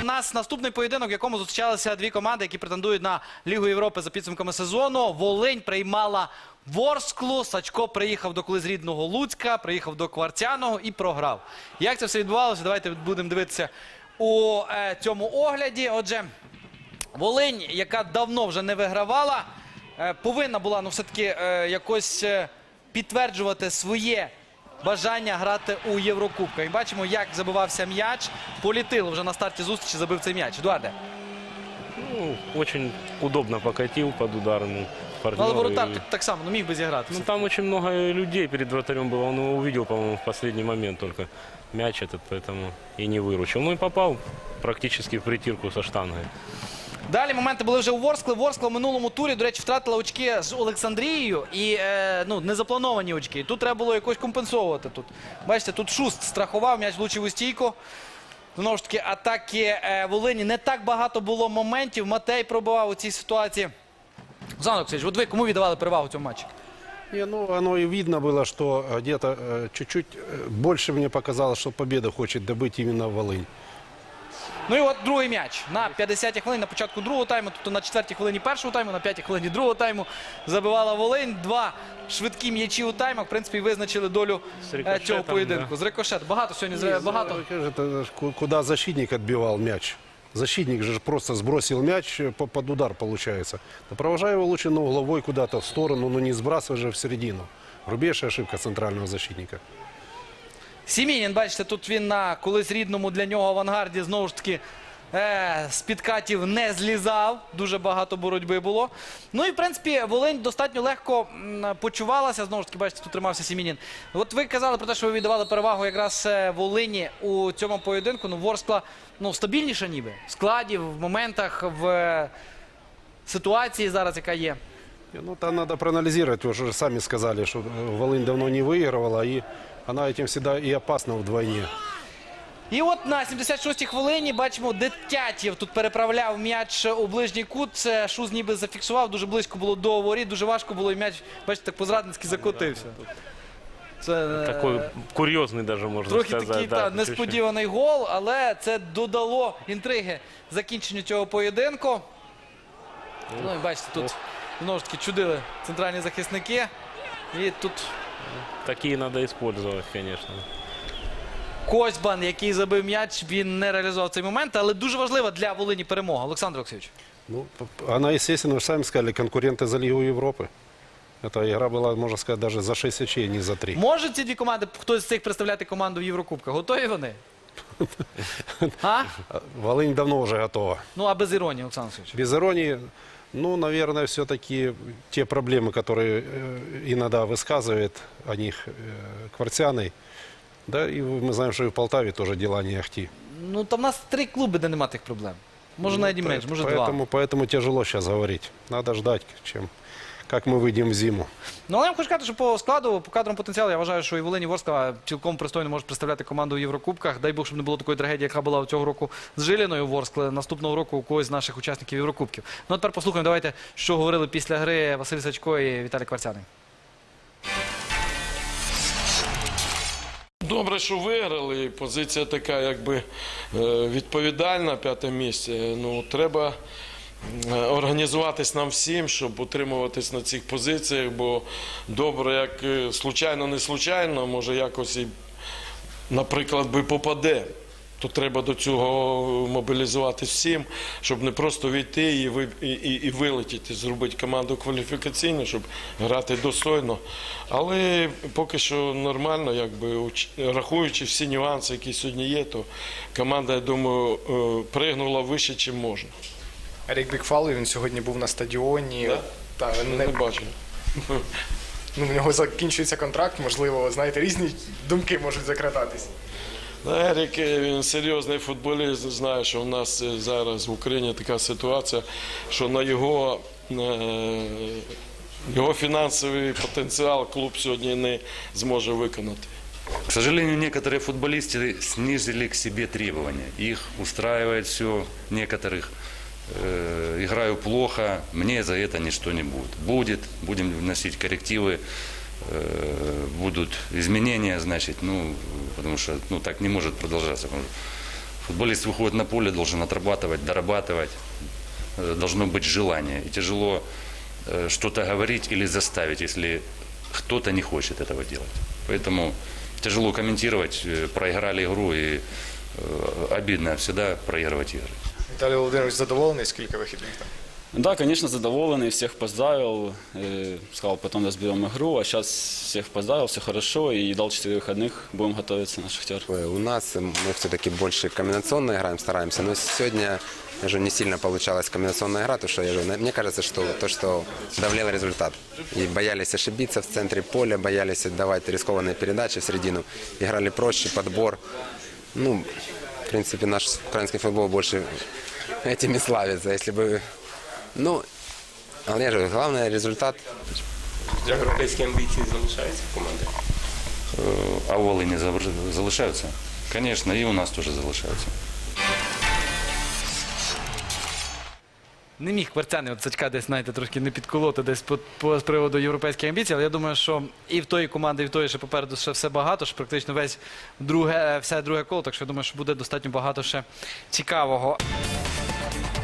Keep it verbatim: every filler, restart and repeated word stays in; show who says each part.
Speaker 1: У нас наступний поєдинок, в якому зустрічалися дві команди, які претендують на Лігу Європи за підсумками сезону. Волинь приймала Ворсклу, Сачко приїхав до колись рідного Луцька, приїхав до Кварцяного і програв. Як це все відбувалося? Давайте будемо дивитися у е, цьому огляді. Отже, Волинь, яка давно вже не вигравала, е, повинна була ну, все-таки е, якось е, підтверджувати своє бажання грати у Єврокубках. І бачимо, як забивався м'яч. Політило вже на старті зустрічі, забив цей м'яч. Едуарде.
Speaker 2: Ну, очень удобно покатил под ударом партнера.
Speaker 1: Але воротар
Speaker 2: И...
Speaker 1: так само, ну міг би зіграти.
Speaker 2: Ну, там очень много людей перед вратарем было. Он его увидел, по-моему, в последний момент только мяч этот, поэтому и не выручил. Ну и попал практически в притирку со штангой.
Speaker 1: Далі моменти були вже у Ворскли. Ворскла в минулому турі, до речі, втратила очки з Олександрією і е, ну, незаплановані очки. Тут треба було якось компенсовувати. Тут. Бачите, тут Шуст страхував, м'яч влучив у стійку. Знову ж таки, атаки е, Волині. Не так багато було моментів. Матей пробивав у цій ситуації. Олександр Олексійович, от ви кому віддавали перевагу в цьому матчі?
Speaker 3: Не, ну, оно и видно было, что где-то э, чуть-чуть э, больше мне показалось, что победу хочет добыть именно Волынь.
Speaker 1: Ну і от другий м'яч. На п'ятдесятій хвилині, на початку другого тайму, тобто на четвертій хвилині першого тайму, на п'ятій хвилині другого тайму забивала Волинь. Два швидкі м'ячі у таймах, в принципі, визначили долю е, цього поєдинку. Да. З рикошет. Багато сьогодні,
Speaker 3: Не,
Speaker 1: багато.
Speaker 3: Это, куда защитник отбивал мяч. Защитник же просто сбросил мяч под удар, получается. Провожая его лучше на угловой куда-то в сторону, но не сбрасывай же в середину. Грубейшая ошибка центрального защитника.
Speaker 1: Сімінін, бачите, тут він на колись рідному для нього авангарді, знову ж таки, е, з підкатів не злізав. Дуже багато боротьби було. Ну і, в принципі, Волинь достатньо легко м, почувалася. Знову ж таки, бачите, тут тримався Сімінін. От ви казали про те, що ви віддавали перевагу якраз Волині у цьому поєдинку. Ну, Ворскла, ну, стабільніша ніби. В складі, в моментах, в ситуації зараз, яка є.
Speaker 3: Ну, там надо проанализировать. Вы уже сами сказали, что Волынь давно не выигрывала, и она этим всегда и опасна вдвойне.
Speaker 1: І от на сімдесят шостій хвилині, бачимо, Детятєв тут переправляв м'яч у ближній кут. Це Шуз ніби зафіксував, дуже близько було до воріт, дуже важко було, і м'яч, бачите, так по-зрадницьки закотився. Це
Speaker 2: Такой курьезный даже, можно
Speaker 1: трохи
Speaker 2: сказать.
Speaker 1: такий
Speaker 2: Да,
Speaker 1: та,
Speaker 2: чуть-чуть.
Speaker 1: несподіваний гол, але це додало інтриги закінченню цього поєдинку. Ну і бачите, тут знову ж таки чудили центральні захисники. І тут
Speaker 2: Такие надо использовать, конечно.
Speaker 1: Козьбан, який забив м'яч, він не реалізував цей момент, але дуже важлива для Волині перемога. Олександр Олексійович.
Speaker 3: Ну, она, естественно, вы же сами сказали, конкуренты за Лигу Европы. Эта игра была, можно сказать, даже за шесть очей, не за три.
Speaker 1: Можуть ці дві команди, хтось з цих представляти команду в Єврокубках? Готові вони? А?
Speaker 3: Волынь давно уже готова.
Speaker 1: Ну, а без іронії, Олександр Олексійович.
Speaker 3: Без иронии, ну, наверное, все-таки те проблемы, которые э, иногда высказывает о них э, Кварцяный, да, и мы знаем, что и в Полтаве тоже дела не ахти.
Speaker 1: Ну, там в нас три клуби, де нема тих проблем. Може, навіть і
Speaker 3: Ну,
Speaker 1: менше, може,
Speaker 3: поэтому,
Speaker 1: два.
Speaker 3: поэтому тяжело сейчас говорить. Надо ждать, чем, как мы выйдем в зиму.
Speaker 1: Ну, але я вам хочу сказати, що по складу, по кадровому потенціалу, я вважаю, що і Волинь, і Ворскла цілком пристойно можуть представляти команду у Єврокубках. Дай Бог, щоб не було такої трагедії, яка була цього року з Жиліною Ворскли, наступного року у когось з наших учасників Єврокубків. Ну, а тепер послухаємо, давайте, що говорили після гри Василь Сачко і Віталій Кварцяний.
Speaker 4: Добре, що виграли. Позиція така, якби відповідальна, п'яте місце. Ну, треба організуватись нам всім, щоб утримуватись на цих позиціях, бо добре, як случайно, не случайно, може якось і, наприклад, би попаде. То треба до цього мобілізуватись всім, щоб не просто війти і, ви, і, і, і вилетіти, зробити команду кваліфікаційну, щоб грати достойно. Але поки що нормально, якби, рахуючи всі нюанси, які сьогодні є, то команда, я думаю, пригнула вище, ніж можна.
Speaker 5: Ерік Бікфалов, він сьогодні був на стадіоні.
Speaker 4: Да?
Speaker 5: Та,
Speaker 4: Не,
Speaker 5: не...
Speaker 4: не бачив.
Speaker 5: Ну, в нього закінчується контракт, можливо, знаєте, різні думки можуть закрадатись.
Speaker 4: Ерік, він серйозний футболіст, знає, що у нас зараз в Україні така ситуація, що на його, його фінансовий потенціал клуб сьогодні не зможе виконати.
Speaker 6: К сожалению, некоторые футболисты снизили к себе требования. Их устраивает все, некоторых э, играю плохо, мне за это ничто не будет. Будет, будем вносить коррективы, э, будут изменения, значит, ну, потому что ну, так не может продолжаться. Футболист выходит на поле, должен отрабатывать, дорабатывать, э, должно быть желание. И тяжело э, что-то говорить или заставить, если кто-то не хочет этого делать. Поэтому тяжело комментировать, э, проиграли игру, и э, обидно всегда проигрывать игры.
Speaker 5: Віталій Володимирович задоволений, скільки вихідних там?
Speaker 7: Да, конечно, задоволенный, всех поздравил, э, сказал, потом разберем игру, а сейчас всех поздравил, все хорошо, и дал четыре выходных, будем готовиться на Шахтер.
Speaker 8: У нас мы все-таки больше комбинационно играем, стараемся, но сегодня уже не сильно получалась комбинационная игра, потому что я же, мне кажется, что то, что давлел результат. И боялись ошибиться в центре поля, боялись отдавать рискованные передачи в середину, играли проще, подбор. Ну, в принципе, наш украинский футбол больше этим и славится. Если бы, ну, але я же, главное результат.
Speaker 9: Європейські амбіції залишаються в команді?
Speaker 6: Э, А у Волыни завр- залишаються? Конечно, и у нас тоже залишаються.
Speaker 1: Не міг Кварцяний от Сачка десь, знаєте, трошки не підколоти десь по, по, з приводу європейських амбіцій, але я думаю, що і в тої команди, і в тої ще попереду ще все багато, що практично весь друге, все друге коло, так що я думаю, що буде достатньо багато ще цікавого.